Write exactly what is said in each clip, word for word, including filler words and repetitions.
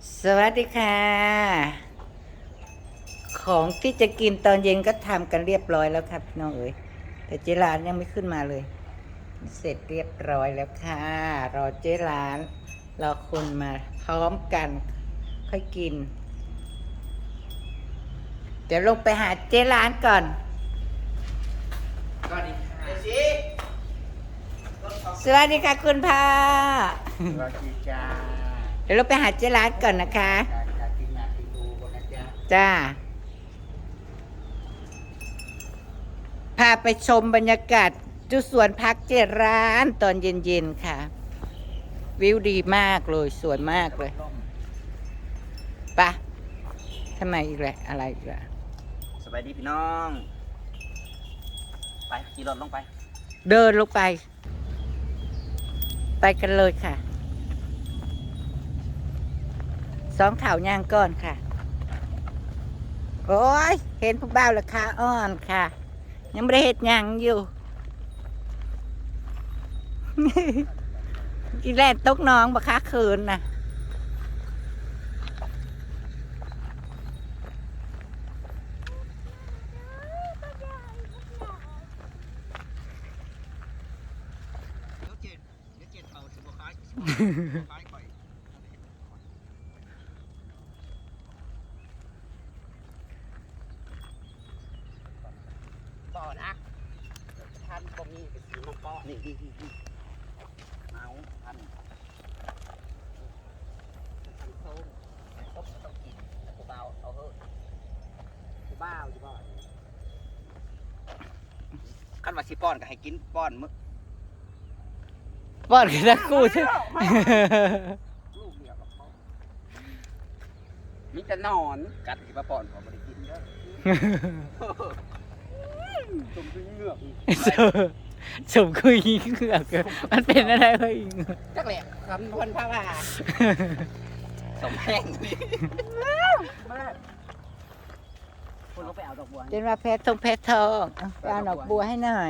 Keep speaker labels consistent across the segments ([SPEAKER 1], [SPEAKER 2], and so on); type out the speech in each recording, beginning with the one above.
[SPEAKER 1] สวัสดีค่ะ ของที่จะกินตอนเย็นก็ทำกันเรียบร้อยแล้วครับพี่น้องเอ๋ยแต่เจร้านยังไม่ขึ้นมาเลย เสร็จเรียบร้อยแล้วค่ะ รอเจร้านรอคนมาพร้อมกันค่อยกิน เดี๋ยวลงไปหาเจร้านก่อนสวัสดีค่ะคุณพ่อ
[SPEAKER 2] สวัสดีจ้า
[SPEAKER 1] เดี๋ยวเราไปหาเจร้านก่อนนะคะ
[SPEAKER 2] จากทีมงานทีดูกันนะจ๊ะ
[SPEAKER 1] จ้า พาไปชมบรรยากาศจุสวนพักเจร้านตอนเย็นๆค่ะ วิวดีมากเลยสวยมากเลยปะทำไมอีกแหละอะไรอีกละ
[SPEAKER 2] สบายดีพี่น้อง ไปขี่รถลงไป
[SPEAKER 1] เดินลงไป ไปกันเลยค่ะ สองข่าวยางก้อนค่ะ โอ้ย เห็นผู้บ่าวราคาอ่อนค่ะ ยังไม่ได้เห็ดหยังอยู่ อีแลนตกน้องบักคักคืนนะ
[SPEAKER 2] ต่อนะท่านก็มีเป็นสีน้ำป้อนี่นี่นี่นี่เอาท่านท่านโค้งต้มต้องกินกูเบาเอาเถอะกูเบาอยู่บ่อยขั้นว่าสิป้อนก็ให้กินป้อนมึก
[SPEAKER 1] ป้อนกันนะกูใช่
[SPEAKER 2] ลูกเดียวกับเขามีแต่นอนกัดสิมาป้อนเขาไม่ได้กินเด้อตุ่มคือเหงือกอีก
[SPEAKER 1] สมคุยยิงเหงือกมันเป็นอะไรเฮ้ย
[SPEAKER 2] จักแหละคำพนพระว่าสมแห้งนี่มากคุณก็ไปเอาดอกบัว
[SPEAKER 1] เจนว่าเพชรทองเพชรทองเอาไปเอาดอกบัวให้หน่อย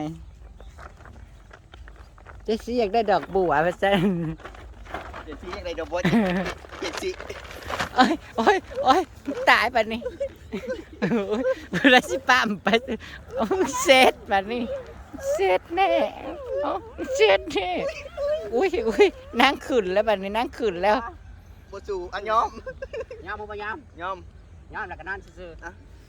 [SPEAKER 1] เจซี่อยากได้ดอกบัวมาสั่น
[SPEAKER 2] เจ็ดสีอะไรดอกบัวเจ็ดสี
[SPEAKER 1] โอ้ยโอ้ยโอ้ยตายปะนี่โอ้ยเวลาสิปั๊มไปโอ้ยเสร็จปะนี่เสร็จแน่โอ้ยเสร็จแน่อุ้ยอุ้ยนั่งขึ้นแล้วปะนี่นั่งขึ้นแล้ว
[SPEAKER 2] บัวสูอันยอมยอมบ่ยอมยอมยอมแล้วก็นั่นซื่อๆ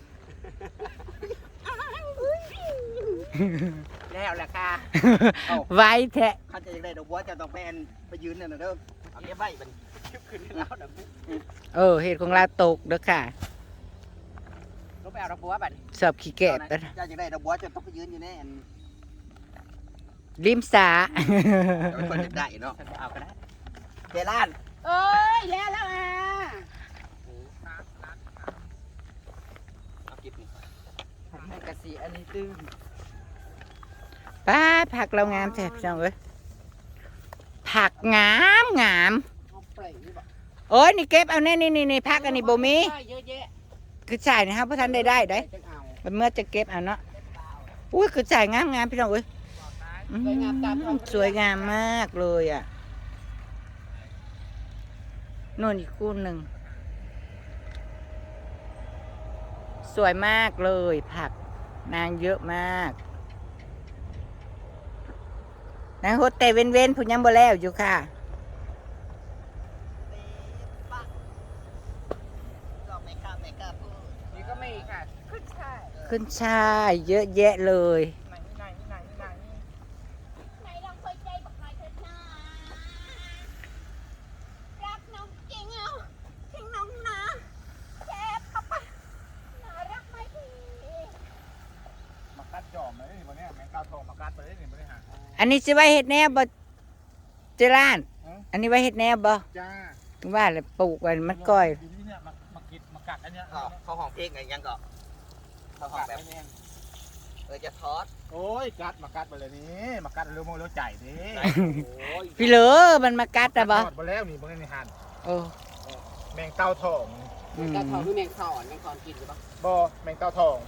[SPEAKER 2] แล้วแหละค่ะ
[SPEAKER 1] ไว้แทะ
[SPEAKER 2] ข้าจะยังได้ดอกบัวจะต้องไปอันไปยืนนั่นน่ะเด้อเอาเก็บไว้มันชิบขึ้นแล้วนะ
[SPEAKER 1] เออเหตุของเราตกเด้อค่ะ
[SPEAKER 2] ลงไปเอาดอกบัวบัด
[SPEAKER 1] สอบขี้แกะ
[SPEAKER 2] จะยังได้ดอกบัวจะต้องไปยืนอยู่ในอัน
[SPEAKER 1] ริมสา
[SPEAKER 2] ไม่ควรจะได้เนาะเอาก็ได้เจร้าน
[SPEAKER 3] เอ้ยแล้วแล้วอ่ะ
[SPEAKER 2] เอากิบนี่
[SPEAKER 1] ให้กะสีอันนี้ตึงป้าผักเรางามแท้พี่น้องเอ้ยผักงามงาม
[SPEAKER 3] เอาเปล่งนี่บอก
[SPEAKER 1] โอ้ยนี่เก็บเอาแน่นี่นี่นี่ผักอันนี้บ่มี
[SPEAKER 3] เยอะแยะ
[SPEAKER 1] คือจ่ายนะครับเพราะท่านได้ได้ได้
[SPEAKER 3] จังเอา
[SPEAKER 1] มันเมื่อจะเก็บเอาเนาะอุ้ยคือจ่ายงามงามพี่น้องเอ้ยอืมสวยงามมากเลยอ่ะโน่นอีกคู่หนึ่งสวยมากเลยผักนางเยอะมากนางโฮเตเว้นเว้นผู้ยังบ่แล้วอยู่ค่ะ
[SPEAKER 3] นี่ก็ไม่ค่ะขึ้นใช่
[SPEAKER 1] ขึ้นช่ายเยอะแยะเลย
[SPEAKER 3] ไหนไหนไหนไหนไหนลองเคยใจบอกหน่อยเถิดนะรักน้องจริงเอาทิ้งน้องนะแคบเข้าไปน่ารักไหมพี่
[SPEAKER 2] มากัดจอมเลยวันนี้แมงกาทองมากัดไปเลยนี่ไม่ได้หา
[SPEAKER 1] อันนี้สิไว้เฮ็ดแนวบ่เจร้าน อันนี้ไว้เฮ็ดแนวบ่
[SPEAKER 2] จ้า
[SPEAKER 1] ว่าเลยปลูกไว้มันก้อย
[SPEAKER 4] ที่เนี่ยมามากินมากัดอันเนี้ย
[SPEAKER 2] เขาห้องเพลงไงยังก็เขาห้องแบบเออจะทอด
[SPEAKER 4] โอ้ยกัดมากัดไปเลยนี่มากัดเร็วโมเร็วใจดิ
[SPEAKER 2] โอ้ย
[SPEAKER 1] พี่เหลือมันมากัดอะบ่
[SPEAKER 4] ทอดไปแล้วนี่บางในหัน
[SPEAKER 1] โอ้
[SPEAKER 4] แมงเต้าทอง
[SPEAKER 1] อืม
[SPEAKER 3] แต่ทองคือแมงสอนแมงสอนกินหรือเปล่า
[SPEAKER 4] บ่แมงเต้าทอง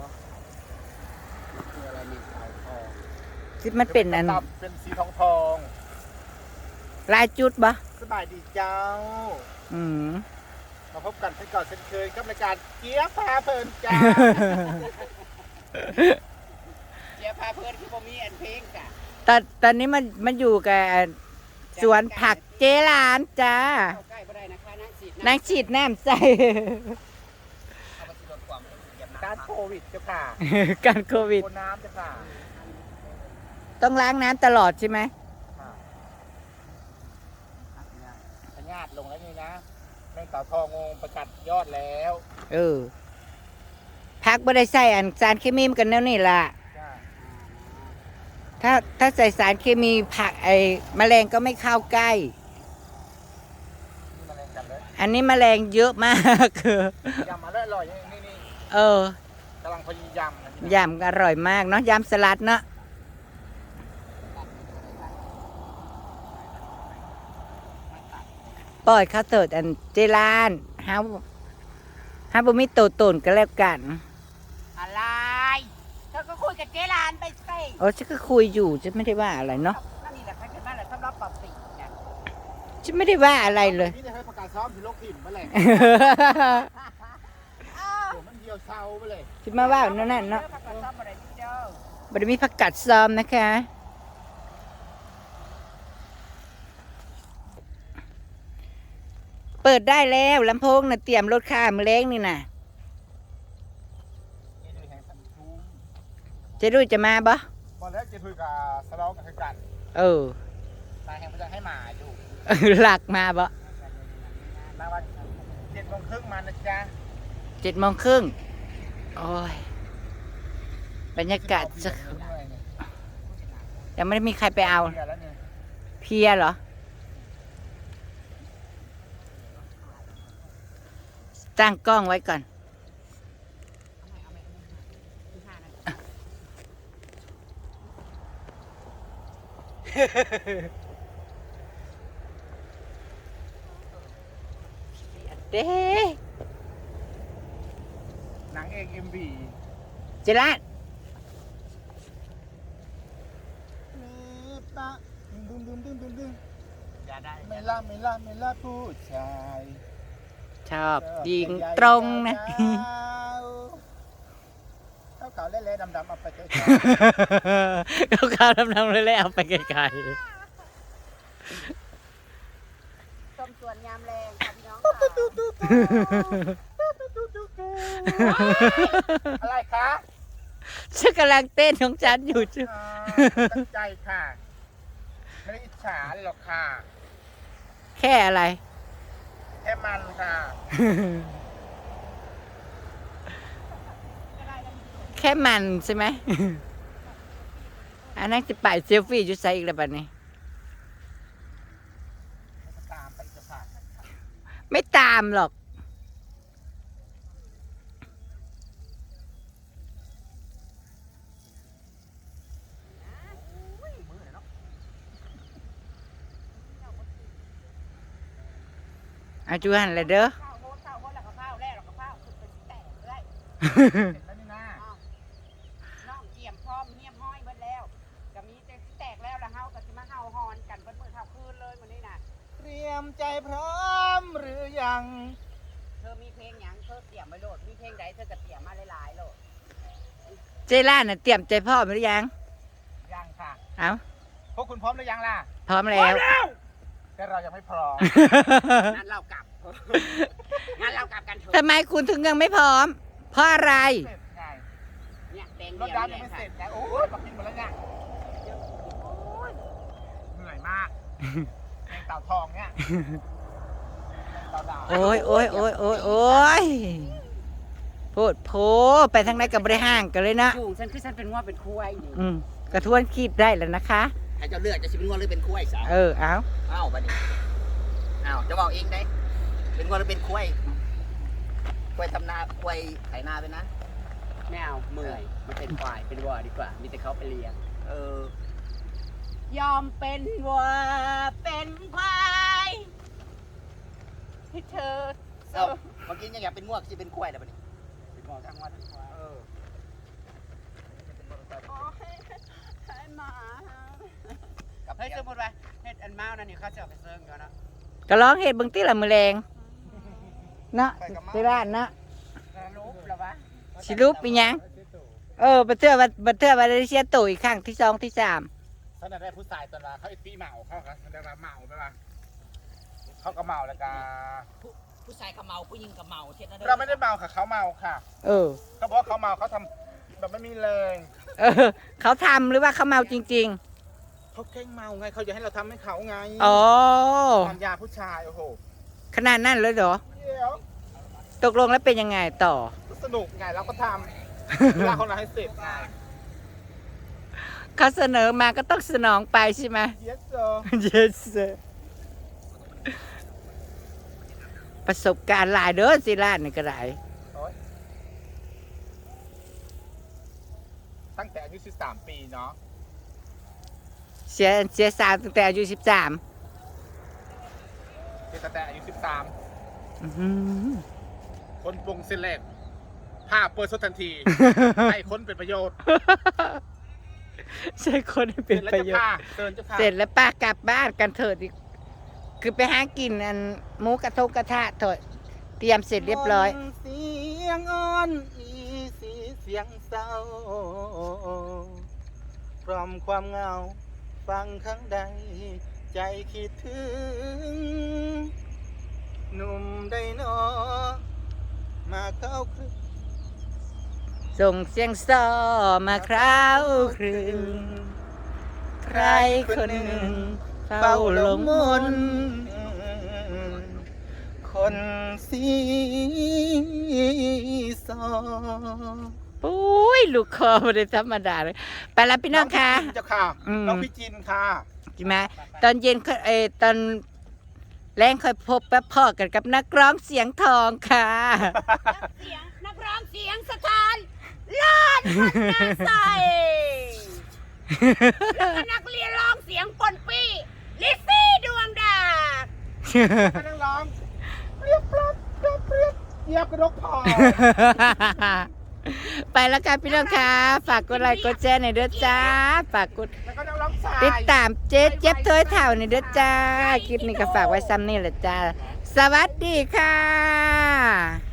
[SPEAKER 3] คืออะไรแมงสอนทอง
[SPEAKER 1] ที่มันเป็นอัน
[SPEAKER 4] ตับเป็นสีทองทอง
[SPEAKER 1] ลายจุดบ่
[SPEAKER 4] สบายดีเจ้า
[SPEAKER 1] อืม
[SPEAKER 4] มาพบกันเช่นก่อนเช่นเคยกับรายการเกี๊ยวพาเพลินจ้า
[SPEAKER 2] เจียพาเพื่อนคือบ่มีอันเพลงจ้ะ
[SPEAKER 1] ตอนตอนนี้มันมันอยู่กับสวนผักเจรานจ้า
[SPEAKER 2] เข้าใกล้บ่ได้นะคะนางสิ
[SPEAKER 1] นางฉีดน้ำใส่
[SPEAKER 2] เอาไปสิลดความเหยียบ
[SPEAKER 4] การ
[SPEAKER 2] น้ำ
[SPEAKER 4] โควิดเจ้าค่ะ
[SPEAKER 1] การโควิด
[SPEAKER 4] โคนน้ำเจ้าค่ะ
[SPEAKER 1] ต้องล้างน้ำตลอดใช่ไหม
[SPEAKER 4] พญาติลงแล้วนี่นะแมงเต่าทองงประกัดยอดแล้ว
[SPEAKER 1] เออพักบ่ได้ใส่อันสารเคมีมันกันแล้วนี่ล่ะ
[SPEAKER 4] จ้า
[SPEAKER 1] ถ้าถ้าใส่สารเคมีผักไอ้แมลงก็ไม่เข้าใกล้
[SPEAKER 4] นี่มาเล่นกันเลย
[SPEAKER 1] อันนี้แมลงเยอะมาก
[SPEAKER 4] ยำมาได้อร่อยนี่นี่
[SPEAKER 1] เออก
[SPEAKER 4] ำลังพอดียำนะนี่นะ
[SPEAKER 1] ยำอร่อยมากเนาะยำสลัดเนาะปล่อยข้าวเติดอันเจรานฮาฮาบุมิโตตนก็แล้วกัน
[SPEAKER 2] อะไรเธอก็คุยกับเจรานไปสิ
[SPEAKER 1] โอ้ฉันก็คุยอยู่ฉันไม่ได้ว่าอะไรเนาะ
[SPEAKER 2] นั่นนี่แหละใครเป็นบ้านแหละสำหรับปรับสีเนี่ย
[SPEAKER 1] ฉันไม่ได้ว่าอะไรเลย
[SPEAKER 4] นี่จะให้ประกาศซ้อมที่โลกถิ่นมาเลยโอ้มันเดียวเศร้าไปเลย
[SPEAKER 1] ฉันมาว่านั่นน่ะเนาะ
[SPEAKER 2] พักกันซ่อมอะไรนี่เด้อ
[SPEAKER 1] บริมีผักกัดซ้อมนะคะ เปิดได้แล้วลำโพงนะเตรียมรถข้ามอเล้งนี่นะ
[SPEAKER 4] นี่ดูแห่งสันทูม
[SPEAKER 1] เจะรู้จะมาบ่
[SPEAKER 4] บอลแล้วจะคุยกับสลองกับกัน
[SPEAKER 1] เออ
[SPEAKER 4] ตายแห่งพระจันทร์ให้หมาอยู่
[SPEAKER 1] หลักมาบ่
[SPEAKER 4] มาวันเจ็ดโมงครึ่งมานะจ๊ะ
[SPEAKER 1] เจ็ดโมงครึ่งโอ้ยบรรยากาศจะยังไม่ได้มีใครไปเอา
[SPEAKER 4] เดี๋ยวแล้วเนี่ย
[SPEAKER 1] เพลียเหรอ ตั้งกล้องไว้ก่อน เด้
[SPEAKER 4] หนังเอกเอ็มบี
[SPEAKER 1] เจราน
[SPEAKER 4] มีปะดึงดึงดึงดึงดึง
[SPEAKER 2] อย่าได้
[SPEAKER 4] ไม่ล่าไม่ล่าไม่ล่าผู้ชาย
[SPEAKER 1] ชอบยิงตรงนะ
[SPEAKER 4] เท่าเก่าเละๆดำๆเอาไปเจอ
[SPEAKER 1] เขาข้าวดำๆเลยแล้วเอาไปไกล
[SPEAKER 2] ต้มส่วนยามแรงค่ะพี่น้อง
[SPEAKER 4] อะไรคะ
[SPEAKER 1] ๆฉันกำลังเต้นของฉันอยู่จ้ะ
[SPEAKER 4] อ่าตั้งใจค่ะ ไม่ได้อิจฉาหรอกค่ะ
[SPEAKER 1] แค่อะไร
[SPEAKER 4] แค่มันค่ะ
[SPEAKER 1] แค่มันใช่ไหม อันนั้นจะไปเซลฟี่อยู่ใส่อีกแล้วบัดนี้
[SPEAKER 4] ตามไปจะผ่าน
[SPEAKER 1] ไม่ตามหรอก เอาจูหันเลยเด้อ
[SPEAKER 2] ข้าวโพดข้าวโพดแล้วก็ข้าวแรกแล้วก็ข้าวคือเป็นแตกเลย
[SPEAKER 4] เสร็จแล้วนี่นะ
[SPEAKER 2] น้องเกี่ยมพร้อมเงียบห้อยเบิดแล้วก็มีแต่สิแตกแล้วแล้วเฮาก็สิมาเฮาฮอนกันเบิดมื้อเท่าคืนเลยมื้อนี้น่ะ
[SPEAKER 4] เตรียมใจพร้อมหรือยัง
[SPEAKER 2] เธอมีเพลงหยังเธอเตรียมไว้โลดมีเพลงใดเธอก็เตรียมมาหลายๆโลด
[SPEAKER 1] เจล่าน่ะเตรียมใจพ่อมหรือยัง
[SPEAKER 4] ยังค่ะ
[SPEAKER 1] เอา
[SPEAKER 4] พวกคุณพร้อมหรือยังล่ะ
[SPEAKER 1] พร้อมแล้ว
[SPEAKER 4] แต่เรายังไม่พร้อม
[SPEAKER 2] งั้นเรากลับ งั้นเรากลับกันเถอะ
[SPEAKER 1] ทำไมคุณถึงยังไม่พร้อม เพราะอะไร
[SPEAKER 4] เสร็จไง
[SPEAKER 2] เนี่ยแดง
[SPEAKER 4] รถ
[SPEAKER 2] เดียว
[SPEAKER 4] ดำยั
[SPEAKER 2] นี่
[SPEAKER 4] ง
[SPEAKER 2] แห
[SPEAKER 4] ไม่
[SPEAKER 2] ละ
[SPEAKER 4] เสร็
[SPEAKER 2] ค่ะ
[SPEAKER 4] จนะโอ้ยปักกินหมดแล้วเนี่ยเหนื่อยมากแมงเต่าทองเนี่ยแมงเต่าดาว
[SPEAKER 1] โอ้ยโอ้ยโอ้ยโอ้ยโอ้ยพูดโพไปทางไหนกับบริห่างกันเลยนะ
[SPEAKER 2] จูงฉันคือฉันเป็นว่าเป็นคุ้ยนี่
[SPEAKER 1] อืมกระทวนคีบได้แล้วนะคะ
[SPEAKER 2] ให้เจ้าเลือกจะสิเป็นว่าหรือเป็นคุ้ยสาว
[SPEAKER 1] เออ เอา
[SPEAKER 2] อ้าวบัดนี้อ้าวจะบอกเองได้ เป็นว่าหรือเป็นคุ้ยคุ้ยทำนาคุ้ยไถนาไปนะไม่เอาเมื่อยมันเป็นควายเป็นวัวดีกว่า มีแต่เขาไปเลี้ยงเออยอมเป็นวัวเป็นควายให้เธอ
[SPEAKER 5] เอ้าเมื่อกี้ยังอยากเป็นงวกจะเป็นกล้วยแต่บัดนี้
[SPEAKER 2] เป็นวัวทั้งวันทั้งควาย
[SPEAKER 5] เออ
[SPEAKER 2] โอ้ยให้หมา
[SPEAKER 5] กับ
[SPEAKER 2] เฮ้ย
[SPEAKER 5] เสีย
[SPEAKER 2] สมมติว่าเฮ็ดอันเมานั่นนี่เขาจะเอาไปเซิร์งกันเนาะ
[SPEAKER 1] ก็ร้องเห็ดเบางตีละมือแรงเนาะที่ร้านเนาะ
[SPEAKER 2] รูปแล้ววะ
[SPEAKER 1] สิรูปเป็นหยังเออบัเทื่อว่าบัเทื่อว่าได้เสียตัวอีกครั้งที่สองที่สาม
[SPEAKER 4] เขาได้ผู้ชายตอนละเขาไอ้ปีเมาเขาครับเขาได้มาเมาไปละเขาก็เมาแล้วก็
[SPEAKER 2] ผู้ชายก็เมาผู้หญิงก็เมาเท่านั้น
[SPEAKER 4] เราไม่ได้เมาค่ะเขาเมาค่ะ
[SPEAKER 1] เออ
[SPEAKER 4] เขาบอกเขาเมาเขาทำแบบไม่มีแรง
[SPEAKER 1] เออ เขาทำหรือว่าเขาเมาจริง
[SPEAKER 4] เขาแกล้งเมาไงเขาอยากให้เราทำให้เขาไง
[SPEAKER 1] ๆอ๋อ
[SPEAKER 4] ทำยาผู้ชายโอ้โห
[SPEAKER 1] ขนาดนั้นเลยเหรอ
[SPEAKER 4] เดี๋ยว
[SPEAKER 1] ตกลงแล้วเป็นยังไงต่อ
[SPEAKER 4] สนุกไงเราก็ทำเวลาคนเราให้เสร็จไง
[SPEAKER 1] เขาเสนอมาก็ต้องสนองไปใช่ไหม
[SPEAKER 4] yes sir
[SPEAKER 1] yes sir ประสบการณ์หลายเด้อสิร้านนี่ก็ได้
[SPEAKER 4] ตั้งแต่อายุสิบสามปีเนาะ
[SPEAKER 1] เสียเสียสาวตั้งแต่อายุสิบสาม
[SPEAKER 4] ตั้งแต่อายุสิบสาม
[SPEAKER 1] อื้อหือ
[SPEAKER 4] คนปรุงเส้นแรกผ้าเปิดสดทันที ให้คนเป็นประโยชน์
[SPEAKER 1] ใช่คนให้เป็นประโยชน์
[SPEAKER 4] เสร็จแล้วจะพา
[SPEAKER 1] เสร็จแล้วป้ากลับบ้านกันเถิดอีกคือไปหากินอันหมูกระทงกระทะเถิดเตรียมเสร็จเรียบร้อย
[SPEAKER 4] เสียงอ่อนอีสีเสียงเศร้าพร้อมความเหงาฟังครั้งใด ใจคิดถึง หนุ่มได้นอมาเข้าครึก
[SPEAKER 1] ส่งเสียงซอมาคราวครึงใครคนหนึ่งเฝ้าหลงมนต์
[SPEAKER 4] คนสีซอ
[SPEAKER 1] ปุ้ยลูกคอไม่ได้ธรรมดาเลยไปแล้วพี่น้องค่ะ
[SPEAKER 4] เจ้าค่ะ
[SPEAKER 1] อืม
[SPEAKER 4] น้องพี่จินค่ะ
[SPEAKER 1] ใช่ไหมตอนเย็นค่อยเออตอนแรงค่อยพบแป๊บพ่อกันกับนักร้องเสียงทองค่ะ
[SPEAKER 3] เสียงนักร้องเสียงสถานลานพันนาใสแล้วก็นักเรียนร้องเสียงปนปี้ลิซซี่ดวงดาว
[SPEAKER 4] ให้นักร้องเปรียบปรับเปรียบเปรียบเหยียบกระดกพอ
[SPEAKER 1] ไปแล้วค่ะพี่น้องค่ะฝากกดไลค์กดแชร์หน่อยเด้อจ้าฝากกด
[SPEAKER 4] แล้วก็นักร้องชาย
[SPEAKER 1] ติดตามเจ๊เจ็บถ้วยเท่าหน่อยเด้อจ้าคลิปนี้ก็ฝากไว้ซ้ำนี่แหละจ้าสวัสดีค่ะ